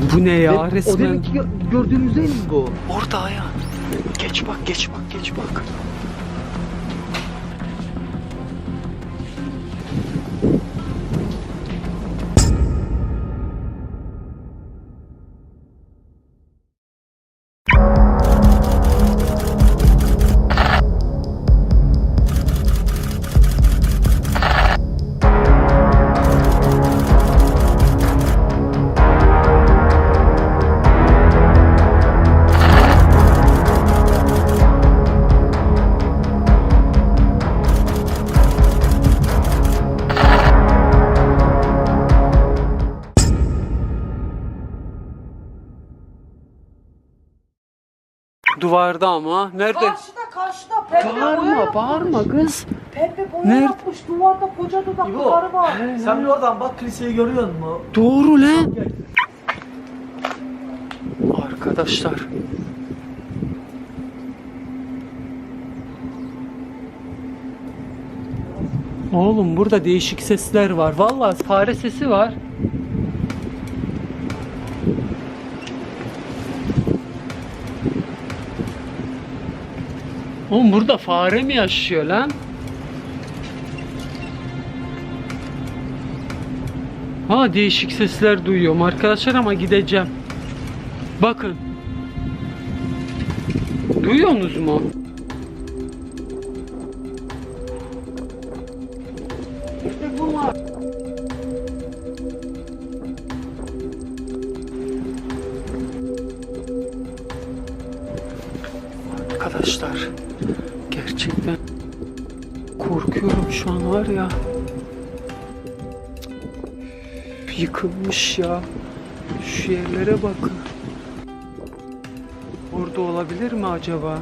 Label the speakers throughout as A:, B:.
A: Bu ne ya
B: O
A: resmen?
B: demek ki gördüğümüz değil mi bu?
A: Orada Ayhan. Geç bak, geç bak, geç bak. Duvarda ama. Nerede?
C: Karşıda pembe boya
A: Bağırma,
C: yapmış.
A: bağırma kız.
C: Pembe boya
A: Nerede?
C: yapmış. Duvarda koca dudaklı
B: İbo,
C: karı var.
B: sen bir oradan bak, kiliseyi görüyor musun?
A: Doğru lan. Arkadaşlar. Oğlum burada değişik sesler var. Vallahi fare sesi var. Oğlum burada fare mi yaşıyor lan? Ha, değişik sesler duyuyorum arkadaşlar ama gideceğim. Bakın. Duyuyorsunuz mu? İşte bunlar. Arkadaşlar, gerçekten korkuyorum şu an, var ya. Yıkılmış ya. Şu yerlere bakın. Orada olabilir mi acaba?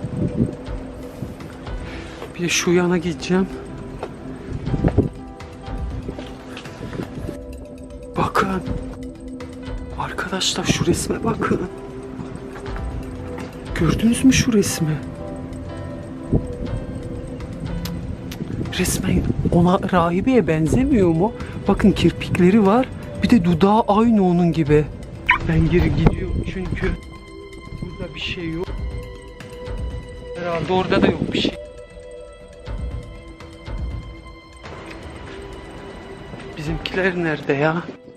A: Bir de şu yana gideceğim. Bakın. Arkadaşlar şu resme bakın. Gördünüz mü şu resmi? Resmen ona, rahibeye benzemiyor mu? Bakın kirpikleri var. Bir de dudağı aynı onun gibi. Ben geri gidiyorum çünkü burada bir şey yok. Herhalde orada da yok bir şey. Bizimkiler nerede ya?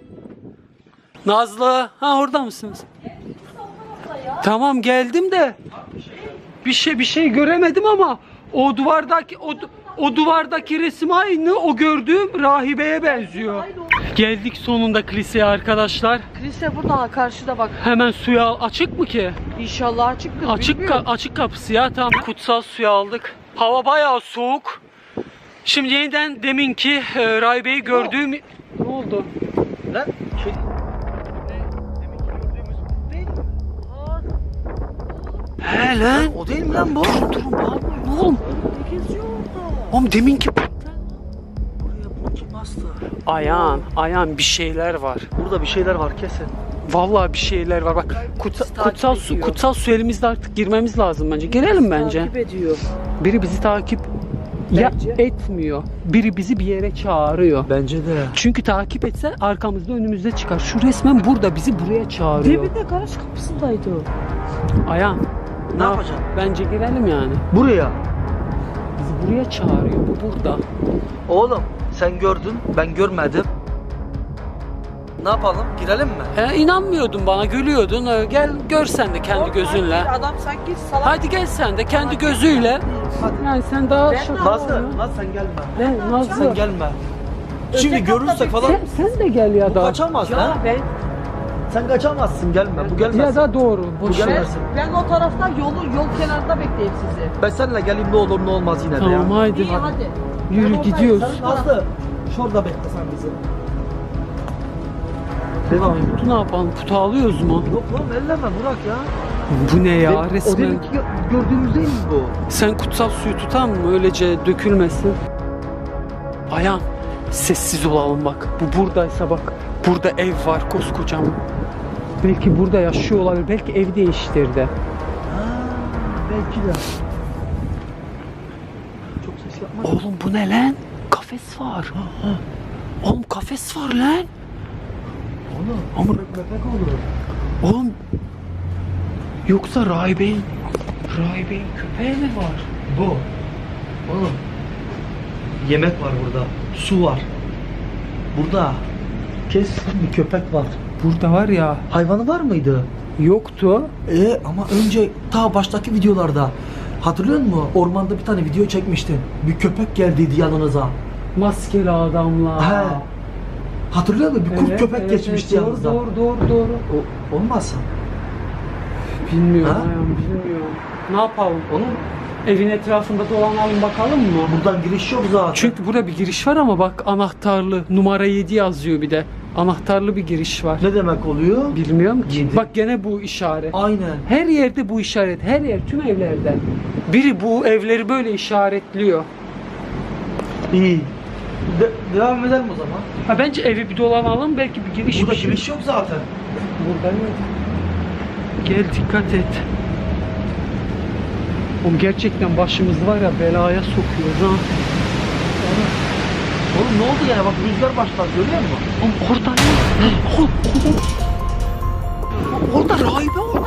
A: Nazlı, ha orada mısınız? Tamam geldim de bir şey göremedim ama o duvardaki resim aynı, o gördüğüm rahibeye benziyor. Geldik sonunda kiliseye arkadaşlar.
C: Kilise burada karşıda bak.
A: Hemen suya açık mı ki?
C: İnşallah açıktır.
A: Açık kapısı ya, tamam. Kutsal suyu aldık. Hava bayağı soğuk. Şimdi yeniden deminki rahibeyi gördüğüm... Ne oldu?
B: Lan şey...
A: He lan.
B: O değil mi lan bu?
A: Durun bağırmayın oğlum.
C: Geziyor orada.
A: Oğlum deminki...
B: Oraya bunu kim bastı?
A: Ayağın bir şeyler var.
B: Burada bir şeyler var kesin.
A: Vallahi bir şeyler var. Bak kutsal su elimizde, artık girmemiz lazım bence. Girelim bence.
C: Takip ediyor.
A: Biri bizi takip ya
C: Bence.
A: etmiyor. Biri bizi bir yere çağırıyor.
B: Bence de.
A: Çünkü takip etse arkamızda, önümüzde çıkar. Şu resmen burada bizi buraya çağırıyor.
C: Dibinde garaj kapısındaydı o.
A: Ayağım.
B: Ne yapacaksın?
A: Bence girelim yani.
B: Buraya.
A: Bizi buraya çağırıyor. Bu burada.
B: Oğlum sen gördün, ben görmedim. Ne yapalım? Girelim mi?
A: İnanmıyordun bana, gülüyordun. Gel gör sen de kendi gözünle.
C: Adam sanki salak.
A: Hadi gel sen de kendi gözüyle.
B: Hadi.
A: Yani sen daha
C: Ben
A: şaka
B: Nazlı, Nazlı sen gelme.
A: Ben Nazlı.
B: Sen gelme. Şimdi
C: Öteki
B: görürsek
C: hafta
B: falan
A: Sen de gel ya
B: bu
A: da.
B: kaçamaz
C: Ya
B: lan.
C: ben
B: Sen kaçamazsın, gelme. Bu gelmez.
A: Ya da doğru.
B: Bu
A: Boş ver.
B: gelmez.
C: ben o tarafta yol kenarında bekleyeyim sizi.
B: Ben seninle geleyim, ne olur ne olmaz yine de
A: Tamam
B: ya.
A: haydi.
C: İyi hadi.
A: Yürü,
C: Ben oradayım,
A: gidiyoruz.
C: sen
B: Nazlı, şurada bekle sen bizi. Devam et.
A: Putu ne yapalım? Putu alıyoruz mu?
B: Yok lan elleme Burak ya.
A: Bu ne ya
B: O
A: resmen?
B: demek ki gördüğümüz değil mi bu?
A: Sen kutsal suyu tutan mı? Öylece dökülmesin. Ayağım, sessiz olalım bak. Bu buradaysa bak. Burada ev var koskocaman. Belki burada yaşıyor olabilir. Belki ev değiştirdi.
B: Ha, belki de. Çok ses yapma.
A: Oğlum bu ne lan? Kafes var. Oğlum kafes var lan.
B: Oğlum
A: Ama-
B: köpek olur.
A: Oğlum yoksa rahibeyin köpeği mi var?
B: Bu. Oğlum. Yemek var burada. Su var. Burada. Kesin bir köpek var.
A: Burada var ya,
B: Hayvanı var mıydı?
A: yoktu.
B: Ama önce ta baştaki videolarda hatırlıyor musun? Ormanda bir tane video çekmiştin. Bir köpek geldiydi yanınıza.
A: Maskeli adamlar.
B: He. Hatırlıyor musun? Bir kurt
A: Evet,
B: köpek
A: evet,
B: geçmişti
A: evet,
B: yanınıza.
A: Doğru.
B: Olmazsa.
A: Bilmiyorum
B: Ha?
A: ayağım, bilmiyorum. Ne yapalım?
B: Onun
A: Evin etrafında dolanalım bakalım mı?
B: buradan giriş yok zaten.
A: Çünkü burada bir giriş var ama bak, anahtarlı, numara 7 yazıyor bir de. Anahtarlı bir giriş var.
B: Ne demek oluyor?
A: Bilmiyorum ki.
B: Yedi.
A: Bak gene bu işaret.
B: Aynen.
A: Her yerde bu işaret. Her yer, tüm evlerde. Biri bu evleri böyle işaretliyor.
B: İyi. Devam edelim o zaman.
A: Ha, bence evi bir dolanalım, belki bir giriş
B: Burada
A: bir şey.
B: giriş yok zaten.
A: Burada yok. Gel dikkat et. Oğlum gerçekten başımız var ya, belaya sokuyoruz ha.
B: Oğlum ne oldu yani? Bak rüzgar başladı, görüyor musun?
A: Oğlum orada ne? Orada rahibe var.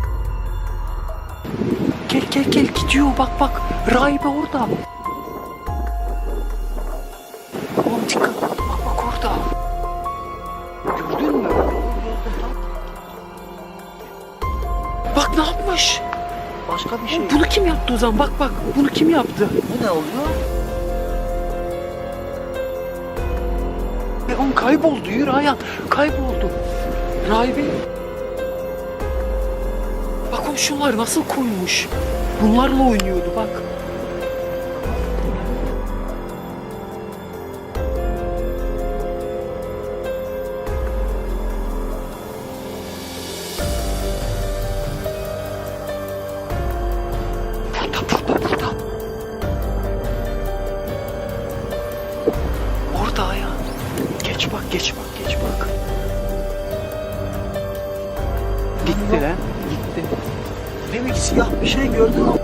A: Gel gidiyor, bak rahibe orada. Oğlum dikkat, bak orada. Gördün mü? Bak ne yapmış?
B: Başka bir şey.
A: Bunu kim yaptı o zaman? Bak bunu kim yaptı?
B: Bu ne oluyor?
A: Oğlum kayboldu, yürü Ayhan, kayboldu. Rahibe. Bak oğlum şunlar nasıl koymuş. Bunlarla oynuyordu bak. Burada. Orada Ayhan. Geç bak. Gitti lan. Gitti.
B: Demek siyah bir şey gördün mü?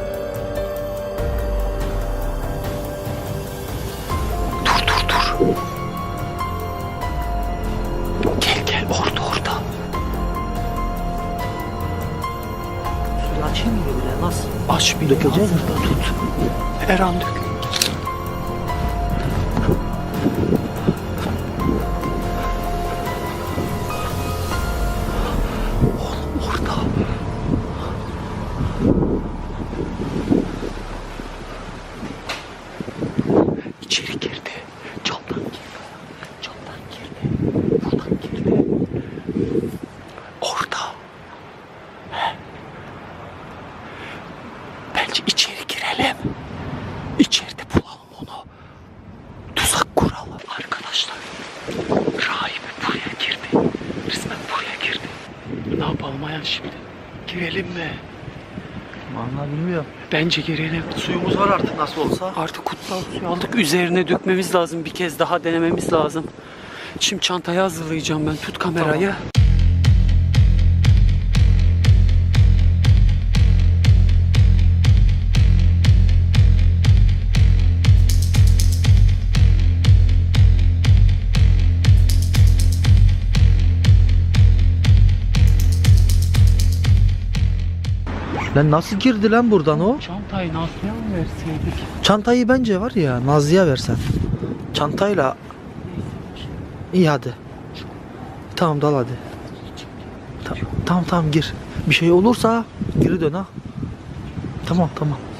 A: Dur. Gel orada.
B: Suyu açayım mı bile? Nasıl?
A: Aç bir
B: Dökeceğiz mi?
A: tut. Eren dök. Oğlum orada. İçeri girdi. Camdan girdi. Buradan girdi. Orada. Bence içeri girelim. İçeride bulalım onu. Tuzak kuralım. Arkadaşlar, rahibe buraya girdi. Resmen buraya girdi. Ne yapalım Ayhan şimdi? Girelim mi?
B: Vallahi bilmiyorum.
A: Bence girelim.
B: Suyumuz var artık nasıl olsa.
A: Artık kutsal suyu aldık. Üzerine dökmemiz lazım. Bir kez daha denememiz lazım. Şimdi çantayı hazırlayacağım ben. Tut kamerayı.
B: Lan nasıl girdi lan buradan o?
A: Çantayı Nazlı'ya mı verseydik?
B: Çantayı bence var ya Nazlı'ya versen. Çantayla. İyi hadi. Tamam dal hadi. Tamam gir. Bir şey olursa geri dön ha. Tamam.